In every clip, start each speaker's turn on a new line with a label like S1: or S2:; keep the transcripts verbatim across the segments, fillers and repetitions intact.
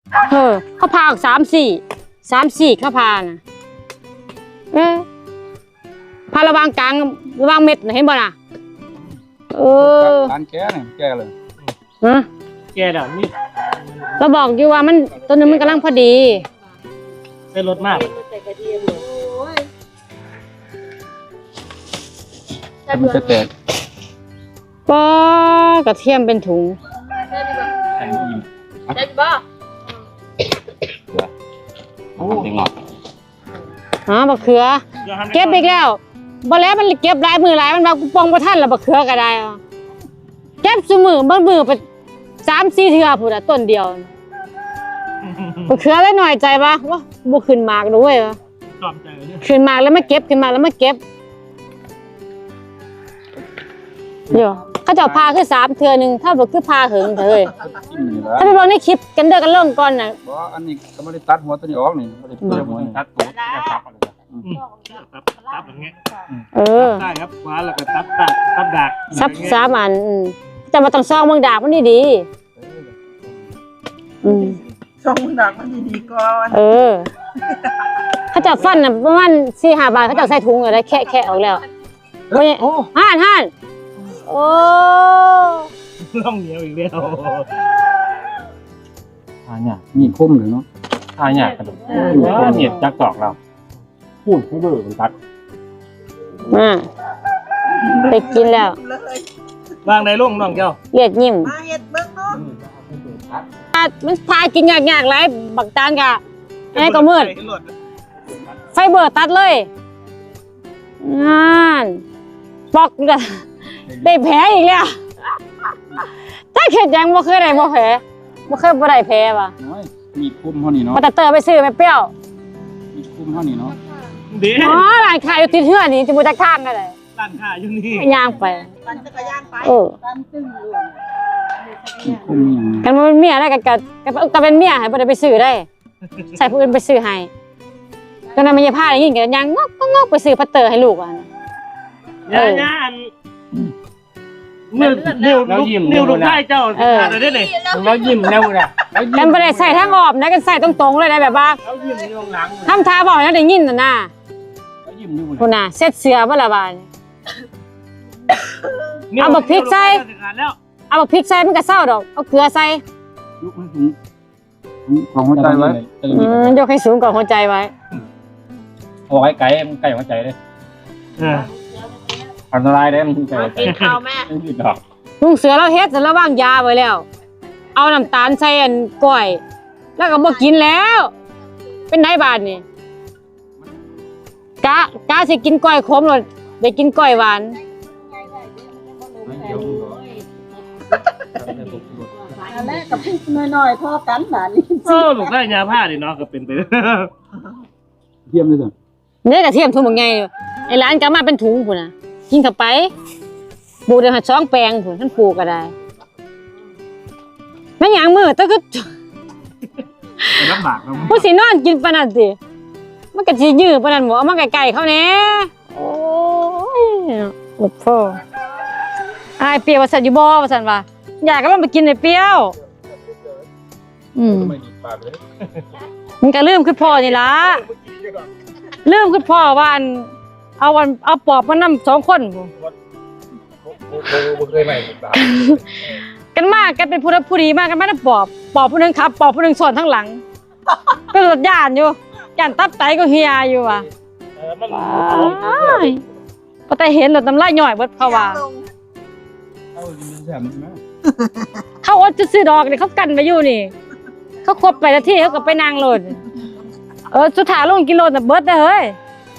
S1: เออเขาพาออกสามสี่สามสี่เขาพาน่ะเออพาระวางกลางระวางเม็ดเห็นบ่น่ะเออ
S2: การแก้เนี่ยแก้เลย
S1: ฮะ
S3: แกดอกนี่
S1: เราบอกอยู่ว่ามันต้นนึงมันกำลังพอดี
S3: ได้รสมาก
S2: มันจะแตก
S1: ป้ากระเทียมเป็นถุง
S2: แข็งอิ่ม
S4: ได้บ่
S2: โอ้ยงอด
S1: อ๋อบักเขือเก็บอีกแล้วบ่แล้วมันเก็บหลายมือหลายมันว่ากูปองบ่ทันแล้วบักเขือก็ได้เก็บซุมื้อบางมื้อไปสามสี่เทื่อพุ่นน่ะต้นเดียวบักเขือได้หน่อยใจป่ะว่าบ่ขึ้นมากด้วยวะ
S3: ชอบใจเลย
S1: ขึ้นมากแล้วไม่เก็บขึ้นมากแล้วไม่เก็บเดี๋ยวเขาจะพาคือสามเทื่อนึงถ้าบ่คือพาหึงเถอะเอ้ยถ้าไปเบิ่งในคลิปกันเด้อกันลงก่อนน่ะ
S2: บ่อันนี้ก็บ่ได้ตัดหัวตัวนี้ออกนี่บ่ได้เปลือกหัวนี่ตัดตัวจะตับอะไร
S3: ตับตับอย่างเงี้ย
S1: เออ
S3: ได้ครับคว้าแล้วก็ตับตับตับดาก
S1: ซับสามอันจะมาต้องซองเมืองดากมันดีๆอืม
S4: ซองเมืองดากมันดีๆก่อน
S1: เออเขาจะฟันน่ะประมาณ สี่ห้า บาทเขาจะใส่ถุงอะไรแคะๆออกแล้วโอ้ห่านห่านโอ้
S3: ล่องเหนียวอีกแล้ว
S2: ทานเนี่ยมีคมเลยเนาะทานเนี่ยกระดูกว่าเนี่ยจักตอกเราพูดให้เบิ่งตัด
S1: มาไปกินแล้ว
S3: วางในร่องน้องเจ้า
S1: เลียดยิ้ม
S4: มาเฮ็ดเบิ่งเนาะ
S1: มันพากินยากๆหลายบักตาลกะไอ้ก็มืดไฟเบอร์ตัดเลยงานปอกได้แผลอีกแล้วถ้าเข็ดยังบ่เคยได้บ่แผลบ่เคยบ่ได้แผลป่ะ
S2: มีคุ้มเท่านี้เนาะ
S1: มาแต่เตอร์ไปซื้อแม่เปรี้ยว
S2: มีคุ้มเท่านี้เนาะ
S1: อ๋อร้านขายอยู่ติดเฮือนี่จะบ่จักทางก็ได้
S3: ร้านขายอยู่นี่
S1: ย่างไป
S4: ปั่นจักรยานไป
S1: เออ
S4: ปั่นตึ้งอยู่
S1: กันมันเมียได้กันกันก็เป็นเมียให้บ่ได้ไปซื้อได้ใส่ผู้อื่นไปซื้อให้ก็นำมีผ้าได้ยินกันยังงอกงอกไปซื้อพัตเตอร์ให้ลูกอ่ะ
S3: ย่าๆอันนิ้วนิ้วนิ้วลูกชายเจ้าขาดได้เลย
S2: แล้วยิ้มแล้วน่ะ
S1: กันบ่ได้ใส่ทางออกนะกันใส่ตรงๆเลยได้แบบว่า
S3: แล้วยิ้มอยู่หลัง
S1: ทำท่าบอกแล้วได้ยินน่ะนะคุณน่ะเซ็ตเสือบ่ละบาดเอาบักพริกใส่เอาบักพริกใส่มันก็เศร้าดอกเอาเกลือใส่
S2: ยกให้สูงของหัวใจไว้
S1: อืมยกให้สูงกว่าหัวใจไว้
S2: เอาไว้ไก่มันไก่หัวใจเลยอันตรายเด้มันไก่
S4: กินข้าวแม่
S2: กินดอก
S1: ลุงเสือเราเฮ็ดแล้ววางยาไว้แล้วเอาน้ำตาลใส่อันก้อยแล้วก็บ่กินแล้วเป็นไดบาดนี่กะกะสิกินก้อยขมแล้วได้กินก้อยหวาน
S4: อันแรกกับพี่น้อยๆพอกันบาดนี้
S3: โอ้ลูกได้ยาผ้าดิเนาะก็เป็นไป
S2: เทียมเลยจ้ะ
S1: เนี่ยกระเทียมถุงบักใหญ่ไอ้ร้านก็มาเป็นถุงพุ่นน่ะกินเข้าไปปลูกได้หัดสองแปลงพุ่นท่านปลูกก็ได้แม่นหยังมื้อแต่คือ
S3: ลำบากเนาะ
S1: บ่สินอนกินปานนั้นติมันก็สิยื้อปานนั้นบ่เอามาใกล้ๆเขาแหน่โอ้ยโอ้พ่ออายเปรี้ยวว่าซั่นอยู่บ่ว่าซั่นว่าอยากก็ลองไปกินไอ้เปรี้ยวอืมมันก็ลืมคือพ่อนี่ล่ะลืมคือพ่อว่าอันเอาวันเอาปอบมานำสองคนบ่
S2: บ่เคยใหม่
S1: กันมากกันเป็นผู้รับผู้ดีมากกันมาได้ปอบปอบผู้นึงครับปอบผู้นึงสอนทั้งหลังก็รถย่านอยู่ย่านตับไตก็เฮียอยู่ว่ะ
S3: เออมัน
S1: พอแต่เห็นรถน้ำลายย่อยเบิดเขาว่าเขาอดจะซื้อดอกนี่เขากันไปอยู่นี่เขาครบไปนาทีเขาก็ไปนางรถเออสุดท้ายลงกิโลน่ะเบิดเด้อเฮ้ย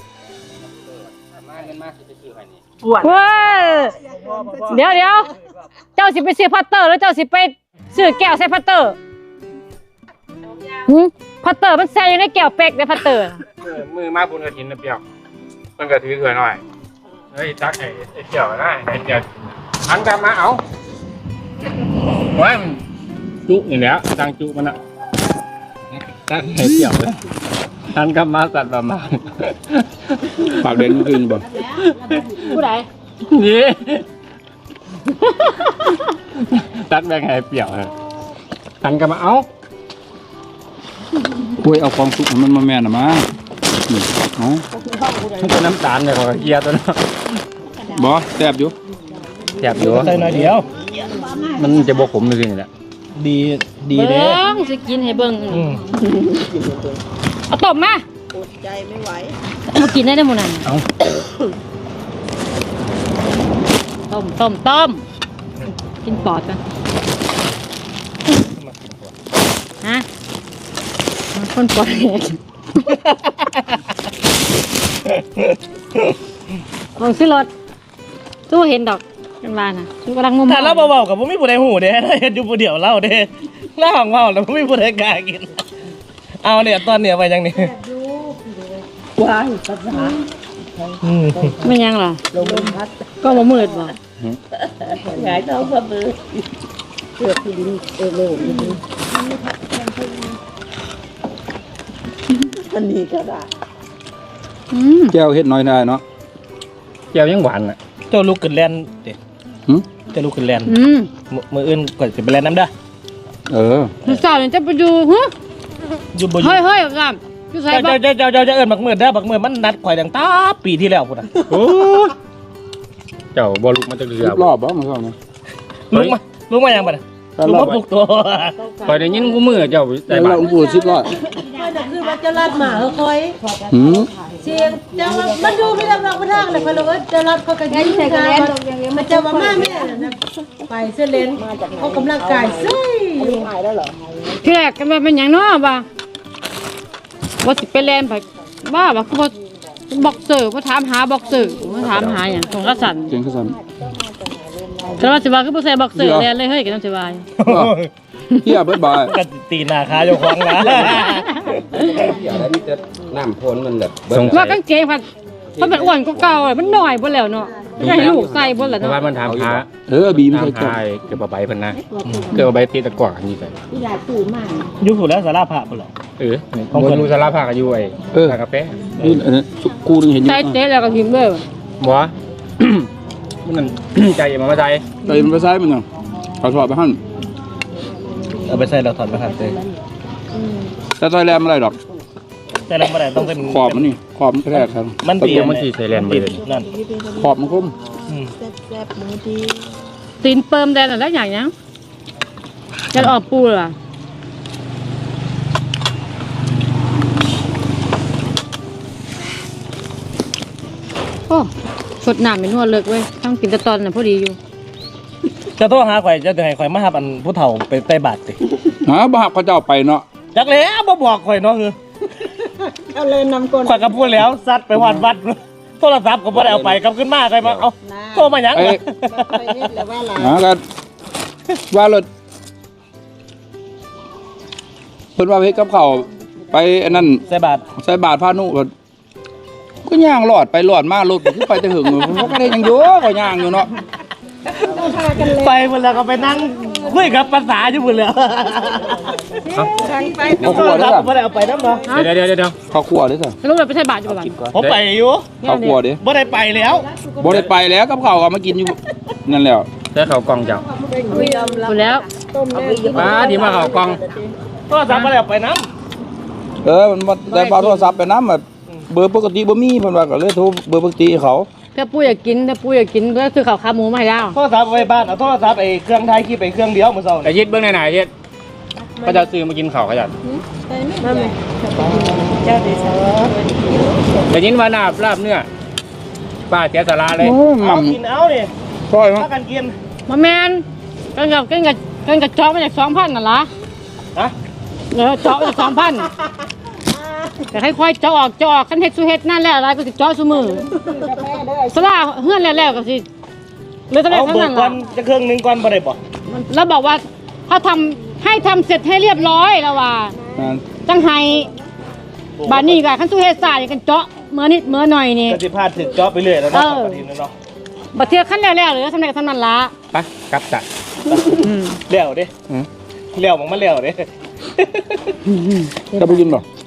S1: ว้าเดี๋ยวเดี๋ยวเจ้าสิไปซื้อพัตเตอร์แล้วเจ้าสิไปซื้อแก้วใส่พัตเตอร์หืมพัตเตอร์มันแซ่อยู่ในแก้วเป๊กในพัตเตอร์
S2: มือมาบุญกระถินนะเปียวมันกระถือเขื่อนหน่อยเฮ้ยตักไอ้เจียวได้ไอ้เจียวอันกลับมาเอาไว้มันจุอย่างเนี้ยตังจุมันอะตักไอ้เจียวเลยอันกลับมาสัตว์ประมาณปากเด่นขึ้นบ่
S1: ผู้ใด
S2: นี่ตัดแบงไอ้เปียวฮะอันกลับมาเอา
S5: ยเอาความสุขให้มันมาแม่นน่ะมานี่เอ้า
S2: มันเป็นน้ำตาลเลยของเกียร์ตัวนั้น
S5: บ่แซ่บอยู่
S2: แซ่บอยู่
S3: ใส่หน่อยเดียว
S2: มันจะบ่ขมเลยนี่แหละ
S3: ดีดี
S1: เบิ่
S3: เด้
S1: งสิกินให้เบิ่ง
S3: อืม
S1: เอาต้มมา
S4: อดใจไม่ไหว
S1: มากินได้ได้หมดนั่น
S2: เอา
S1: ต้มต้มต้มกินปอดกันฮะคนปอดแหกลองซื้อรถตู้เห็นดอกกันบ้านน่ะตู้กำลังงม
S3: ถ้าเราเบาๆกับผมไม่ผู้ใดหูเด้ถ้าเห็นอยู่ผู้เดียวเล่าเด้เล่าของเมาแล้วผมไม่ผู้ใดกล้ากินเอาเนี่ยตอนเนี่ยไปยังนี่
S4: ว้ายภาษา
S3: อืม
S1: ไม่ยังหรอ
S4: ลมพัด
S1: ก็มามืดบ่
S4: หงายท้องพระมือเกือบที่ดินเออโลกนี้อันนี้ก็ได้
S1: อืม
S5: แก้วเฮ็ดน้อยได้เนาะ
S2: เกียร์ยังหวานอ่ะ
S3: เจ้าลูกขึ้นแลนเด็
S5: หึ
S3: เจ้าลูกขึ้นแลน
S1: อืม
S3: มืออื่นก็จะไปแลนน้ำเด้อ
S5: เออ
S1: ลูกสาวเนี่ยจะไปดูฮะ
S3: อยู่บ่อยู่
S1: เฮ้ยเฮ้ยกันอยู่ใส่บ่
S3: เจ้าเจ้าเจ้าเจ้าเจ้าเอิ้นบักมือเด้อบักมือมันนัดข่อยดังตาปีที่แล้วพุ่นน่ะ
S2: โอ้เจ้าบ่ลุกมาจากเรือ
S5: สิบรอบบ่มื้อเช้านี้
S3: ลุกมาลุกมายังบัดน่ะ
S5: แต่
S3: ลุก
S5: รอบ
S3: มาปลุกตัว
S2: คอยได้ยินกูมือเจ้า
S5: แต่
S2: ใส่
S5: เรา
S2: บาตร
S5: อุ้มปูสิบรอบ
S4: ไม่แต่คือว่าจะรัดหมาเขาคอย
S5: หืม
S4: เสียงจะว่ามันดูไม่ได้เราไปทางเลยพอเราจะรัดเขาก็ยิ้มกันมันจะว่ามาแม่นะไปเส้นเลนเขากำลังกายซุย
S1: ที่แรกกันว่าเป็นหยังเนาะบ่าว่าสิไปแลนไปบ้าบ่คือบ่บ็อกเซอร์บ่ถามหาบ็อกเซอร์บ่ถามหาหยังของกษัตริย์
S5: เก่งคือซั่น
S1: แต่ว่าสิว่าคือบ่ใส่บ็อกเซอร์แลนเลยเฮ้ยกันสิว่า
S5: เฮียเบิดบ่าย
S3: ก็ตีหน้าขาเจ้าของนะ
S6: อย่าได้มีแต่น้ำพ่นมันแบบ
S2: สงสั
S1: ว่าย กางเกงพันมันเป็นอ้วนกว่าเก่าอะมันน้อยบ่แล้วเนาะให้ลูกใส่บ่แล้ว
S2: เพราะว่า
S1: เนาะ
S2: มันถามหา
S5: เออบีม
S2: ถาม
S5: ใส่แก้ว
S2: หาเกี่ยวกับใบเพิ่นนะเกี่ยวกับใบตีตะกร้ออันนี้ใส่
S3: อยู่ผู้แล้วสาราพระพุ่นเหรอ
S2: เออของคนรู้สารภาพกันอยู่ไอ้
S5: เออ
S2: ร้านกาแฟ
S5: นี่อันนั้นกูนึงเห็นอยู่
S1: ใส่เต๊แล้วก็หิมเลย
S2: บ่ มันนั่น ใจมามาใจ
S5: แต่มันไปซ้ายมันน่ะขอถอดไปหั่น
S3: เอาไปใส่เราถอดมาหันเลย
S5: แต่ซอยแรมอะไรดอก
S3: แต่เราไม่ได้ต้องเป็น
S5: ขอบมันนี่ขอบมันแคบครับ
S3: มัน
S2: เดี๋
S3: เปี
S2: ย
S3: ยว ก
S2: มันสิใส่แลนด์ไปเลย
S3: นั่น
S5: ขอบมันคม
S3: อืม
S4: แซ่บๆมือดี
S1: ตีนเปิมแดนอะไรอย่างเงี้ยจะออกปูล่ะโอ้สดน้ำเป็นนวดเลิกเว้ยต้องกินแตะตอนน่ะพอดีอยู่
S3: จะโทรหาข่อยจะให้ข่อยมาหาอันผู้เฒ่าไปใต้บาตรสิ
S5: หาบ่ฮักเขาเจ้าไปเนาะ
S3: จักแล้วบ่บอกข่อยเนาะคือ
S4: เอาเลยนำก้น
S3: ข่อยก็พูดแล้วซัดไปวัดวัดโทรศัพท์ก็บ่ได้เอาไปกลับขึ้นมาข่อยมาเอาโทรมาหยัง
S5: ไอ้
S4: ไปเฮ็ดแล้วว่าหลาน
S5: หากันว่ารถเพิ่นว่าไปเฮ็ดกับข้าวไปอันนั้น
S3: ใส่บาตร
S5: ใส่บาทพานุรถก็ย่างหลอดไปหลอดมารถก็คือไปแต่หึงมันก็ได้ยังอยู่ก็ย่างอยู่เนาะ
S3: ไปหมดแล้วก็ไปนั่งคุยกับภาษาอยู่หมดแล้ว
S4: ทางไป
S5: เขา
S3: โท
S5: ขัว
S3: ร
S5: เด้
S3: ศัพ
S5: อ
S3: ท์บ่ได้เอาไปนำเนาะ
S2: เดี๋ยวเดี๋ยวเดี๋ยวเดี๋ยว
S5: เขาขัวเด้อจ้ะ
S1: ลูกเราไปใส่บาตรอยู่บ้าน
S3: ผมไปอยู่
S5: เขาขัวเด้อ
S3: บ่ได้ไปแล้ว
S5: บ่ได้ไปแล้วกับข้าวก็มากินอยู่นั่นแล้ว
S2: เดี๋ยวเขากล่องเจ้า
S1: หมดแล้ว
S4: ต้มแม่
S2: ป้าที่มาเขากล่อง
S3: โทรศัพท์บ่ได้เอาไปนำ
S5: เออมันบ่ได้เอาโทรศัพท์ไปนำแบบเบอร์ปกติบ่มีเพิ่นว่าก็เลยโทรเบอร์ปกติให้เขา
S1: ถ้าปูอยากกินถ้าปูอยากกินก็ซื้อข้าวขาหมูมาให้แล้ว
S3: โทรศัพท์เอาไว้บ้านเอาโทรศัพท์ไอ้เครื่องถ่ายคลิปไอ้เครื่องเดียวมื้อเช้า
S2: แต่ยึดเบื้องไหนๆยึดก็จะซื้อมากินข้าวขยัน
S4: เจ้าดีสาว
S2: แต่ยินว่านาบลาบเนื้อป้าเสียสาระเลย
S5: โอ้ยห
S3: เอา
S5: ม่ำ
S3: กินเอาดิ
S5: ซอยมั้
S3: พากันกิน
S1: มาแมนกันกับกันกับกันกับจอกมาจากสองพันน่ะล่ะ
S3: ฮะ
S1: เออจอกมาจากสองพันแต่ให้ค่อยเจาะออกเจาะออกคันเฮ็ดสุเฮ็ดนั่นแหละอะไรก็สิเจาะซุมือสลาเฮือนแล้วๆก็สิเลยต้องได้
S3: เอา
S1: ทั้ง
S3: เบิ
S1: นั้
S3: ก
S1: น
S3: ก่อ
S1: ล่ะ
S3: นจะเครื่องหนึงก่อนบ่ได้บ่
S1: แล้วบอกว่าถ้าทำให้ทำเสร็จให้เรียบร้อยแล้วว่า
S5: นั่น
S1: จังไห้บาดนี้ก็คันสุเฮ็ดซ่าอย่างกันเจาะเมื่อนิดเมื่อหน่อยนี่
S3: ก็สิพาถึกจอไปเรื่อยแล้วเนาะ
S1: เออ
S3: ปฏิทินเนาะ
S1: บัดเทื่อคันแล้วๆหรือทำได้ทำนั้นล่ะ
S2: ไปกลับจ้ะ
S1: อืม
S3: เลี้ยวเด้
S2: อืม
S3: เลี้ยวมันมาเลี้ยวเด้
S5: จะไปกินบ่